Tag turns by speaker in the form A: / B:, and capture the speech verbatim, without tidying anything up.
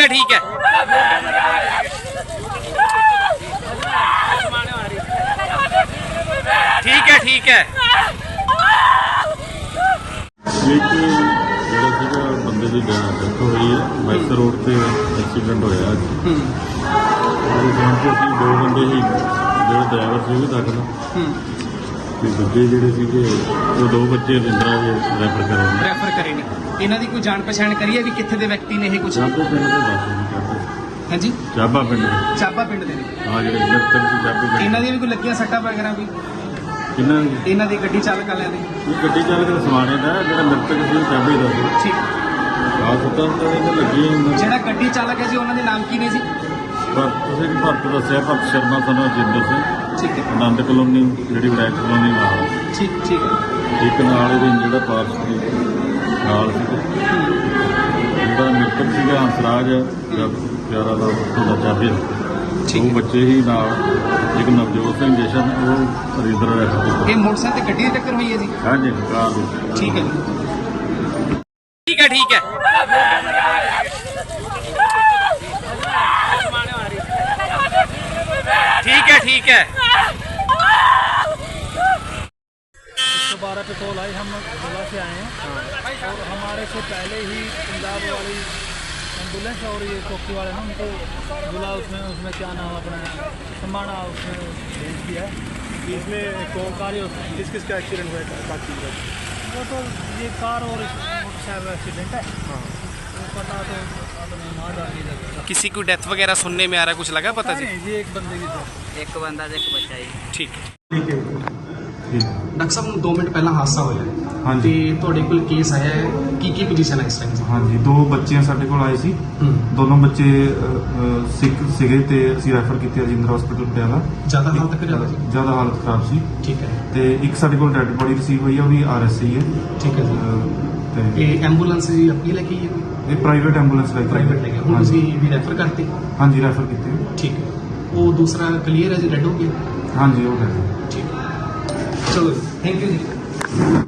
A: ठीक है ठीक है ठीक है
B: एक ਜਿਹੜਾ ਸੀਗਾ ਬੰਦੇ ਦੀ ਡੈਥ ਹੋਈ ਹੈ ਮੈਸਰ ਰੋਡ ਤੇ ਐਕਸੀਡੈਂਟ ਹੋਇਆ ਅੱਜ ਉਹਦੇ ਜਾਣ ਕੇ ਅਸੀਂ ਦੋ ਬੰਦੇ ਹੀ ਜਿਹੜੇ ਡਰਾਈਵਰ ਸੀ ਉਹ ਵੀ ਦਾਖਲ ਤੇ ਦੂਜੇ ਜਿਹੜੇ ਸੀਗੇ ਉਹ ਦੋ ਬੱਚੇ ਰਿੰਦਰਾ ਦੇ ਰੈਫਰ ਕਰੇ
A: ਰੈਫਰ ਕਰੇ ਨੇ ਇਹਨਾਂ ਦੀ ਕੋਈ ਜਾਣ ਪਛਾਣ ਕਰੀ ਹੈ ਵੀ ਕਿੱਥੇ ਦੇ ਵਿਅਕਤੀ ਨੇ ਇਹ ਕੁਝ
B: ਚਾਬਾ ਪਿੰਡ ਦੇ ਦੱਸ ਨਹੀਂ ਕਰਦੇ
A: ਹਾਂਜੀ
B: ਚਾਬਾ ਪਿੰਡ ਦੇ
A: ਚਾਬਾ ਪਿੰਡ ਦੇ ਨੇ
B: ਆ ਜਿਹੜੇ ਮਿਰਤਕ ਸੀ ਚਾਬੇ ਪਿੰਡ
A: ਇਹਨਾਂ ਦੀ ਵੀ ਕੋਈ ਲੱਗੀਆਂ ਸੱਟਾਂ ਵਗੈਰਾ ਕੋਈ
B: ਕਿੰਨਾ
A: ਇਹਨਾਂ ਦੀ ਗੱਡੀ ਚਾਲਕ ਵਾਲਿਆਂ ਦੀ
B: ਇਹ ਗੱਡੀ ਚਾਲਕ ਦਾ ਸਮਾਨ ਦਾ ਜਿਹੜਾ ਮਿਰਤਕ ਸੀ ਉਹ ਚਾਬੇ ਦਾ ਸੀ
A: ਠੀਕ
B: ਆ ਸੁੱਤਾ ਤਾਂ ਲੱਗੀ
A: ਜਿਹੜਾ ਗੱਡੀ ਚਾਲਕ ਹੈ ਜੀ ਉਹਨਾਂ ਦੇ ਨਾਮ ਕੀ ਨੇ ਜੀ
B: ਪਰ ਤੁਸੀਂ ਵੀ ਭਰਤ ਦੱਸਿਆ ਭਰਤ ਸ਼ਰਮਾ ਸਾਨੂੰ ਜਿੰਦਰ ਸਿੰਘ
A: ਠੀਕ ਹੈ
B: ਆਨੰਦ ਕਲੋਨੀ ਜਿਹੜੀ ਵਿਰਾਇਤ ਕਲੋਨੀ ਨਾਲ
A: ਠੀਕ ਠੀਕ ਹੈ
B: ਇੱਕ ਨਾਲ ਇਹਦੇ ਜਿਹੜਾ ਪਾਸ ਸੀ ਨਾਲ ਸੀ ਜਿਹੜਾ ਮਿੱਤਰ ਸੀਗਾ ਹੰਸਰਾਜ ਜਦ ਪਿਆਰਾ ਦਾ ਉਹਦਾ ਚਾਬੀ ਉਹ ਬੱਚੇ ਹੀ ਨਾਲ ਇੱਕ ਨਵਜੋਤ ਸਿੰਘ ਜਸ਼ਨ ਉਹ ਰਿੰਦਰ ਰਹਿ
A: ਇਹ ਮੋਟਰਸਾਈਕਲ ਤੇ ਗੱਡੀ ਦੀ ਟੱਕਰ ਹੋਈ ਹੈ ਜੀ
B: ਹਾਂਜੀ ਕਾਰ ਦੀ
A: ਠੀਕ ਹੈ ਠੀਕ ਹੈ ਠੀਕ ਹੈ ठीक है ठीक है
C: एक सौ बारह पे कॉल आई हम गोला से आए हैं और हमारे से पहले ही पंजाब वाली एम्बुलेंस और ये चौकी वाले ने उनको गोला उसमें उसमें क्या नाम अपना समाना उसमें भेज दिया है इसमें कौन कार किस किस का एक्सीडेंट हुआ है बाकी वो तो ये कार और मोटरसाइकिल एक्सीडेंट है हाँ वो पता तो
A: किसी को डेथ वगैरह सुनने में आ रहा है कुछ लगा पता जी
C: जी एक बंदे की तो
D: एक बंदा एक बच्चा ही
A: ठीक है
B: ਠੀਕ ਹੈ
A: ਡਾਕਟਰ ਸਾਹਿਬ ਨੂੰ ਦੋ ਮਿੰਟ ਪਹਿਲਾਂ ਹਾਦਸਾ ਹੋਇਆ
E: ਹਾਂਜੀ।
A: ਤੇ ਤੁਹਾਡੇ ਕੋਲ ਕੇਸ ਆਇਆ ਹੈ ਕੀ ਕੀ ਪੋਜੀਸ਼ਨ ਹੈ ਇਸ ਟਾਈਮ
E: ਹਾਂਜੀ ਦੋ ਬੱਚੇ ਸਾਡੇ ਕੋਲ ਆਏ ਸੀ
A: ਹੂੰ
E: ਦੋਨੋਂ ਬੱਚੇ ਅ, ਅ, ਸਿੱਖ ਸੀਗੇ ਤੇ ਅਸੀਂ ਰੈਫਰ ਕੀਤੇ ਰਜਿੰਦਰ ਹਸਪੀਟਲ ਪਟਿਆਲਾ
A: ਜ਼ਿਆਦਾ ਹਾਲਤ ਕਰ ਰਿਹਾ ਸੀ
E: ਜ਼ਿਆਦਾ ਹਾਲਤ ਖਰਾਬ ਸੀ
A: ਠੀਕ ਹੈ
E: ਤੇ ਇੱਕ ਸਾਡੇ ਕੋਲ ਡੈਡ ਬੋਡੀ ਰਿਸੀਵ ਹੋਈ ਹੈ ਉਹਦੀ ਆਰ ਐਸ ਆਈ ਹੈ
A: ਠੀਕ ਹੈ ਜੀ
E: ਅ, ਤੇ
A: ਇਹ ਐਂਬੂਲੈਂਸ ਜੀ ਆਪਣੀ ਲੈ ਕੇ ਆਈ ਹੈ
E: ਇਹ ਪ੍ਰਾਈਵੇਟ ਐਂਬੂਲੈਂਸ ਲੈ ਕੇ
A: ਪ੍ਰਾਈਵੇਟ ਲੈ ਕੇ ਹੁਣ
E: ਹਾਂਜੀ।
A: ਤੁਸੀਂ ਵੀ ਰੈਫਰ ਕਰਤੇ
E: ਹਾਂਜੀ ਰੈਫਰ ਕੀਤੇ
A: ਠੀਕ ਹੈ ਉਹ ਦੂਸਰਾ ਕਲੀਅਰ ਹੈ ਜੀ ਰੈਡ ਹੋ ਗਿਆ
E: ਹਾਂਜੀ ਉਹ ਹੈ
A: ਠੀਕ ਹੈ ਚਲੋ ਥੈਂਕ ਯੂ ਜੀ